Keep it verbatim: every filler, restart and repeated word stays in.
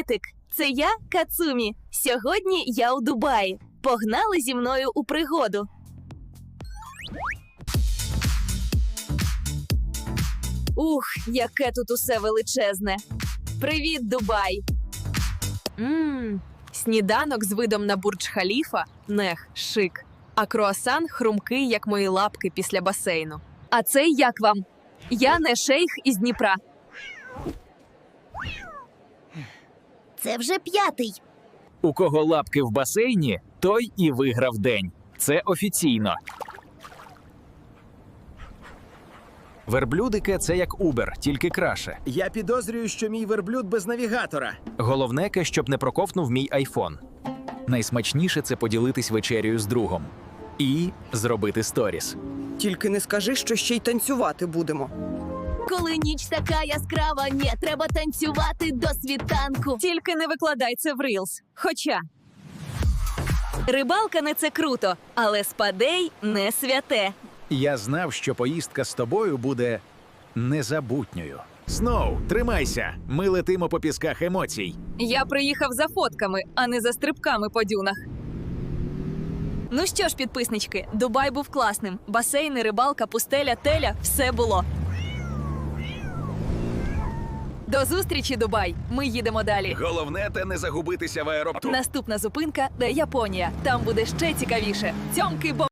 Привітик! Це я, Кацумі. Сьогодні я у Дубаї. Погнали зі мною у пригоду. Ух, яке тут усе величезне. Привіт, Дубай! Ммм, сніданок з видом на Бурдж-Халіфа – нех, шик. А круасан хрумкий, як мої лапки після басейну. А це як вам? Я не шейх із Дніпра. Це вже п'ятий. У кого лапки в басейні, той і виграв день. Це офіційно. Верблюдики – це як Uber, тільки краще. Я підозрюю, що мій верблюд без навігатора. Головне, щоб не проковтнув мій айфон. Найсмачніше – це поділитись вечерею з другом. І зробити сторіс. Тільки не скажи, що ще й танцювати будемо. Коли ніч така яскрава, ні, треба танцювати до світанку. Тільки не викладай це в Reels. Хоча рибалка не це круто, але спадей не святе. Я знав, що поїздка з тобою буде незабутньою. Сноу, тримайся! Ми летимо по пісках емоцій. Я приїхав за фотками, а не за стрибками по дюнах. Ну що ж, підписнички, Дубай був класним. Басейни, рибалка, пустеля, теля – все було. До зустрічі, Дубай! Ми їдемо далі. Головне – те не загубитися в аеропорту. Наступна зупинка – Японія. Там буде ще цікавіше. Цьомки, бо...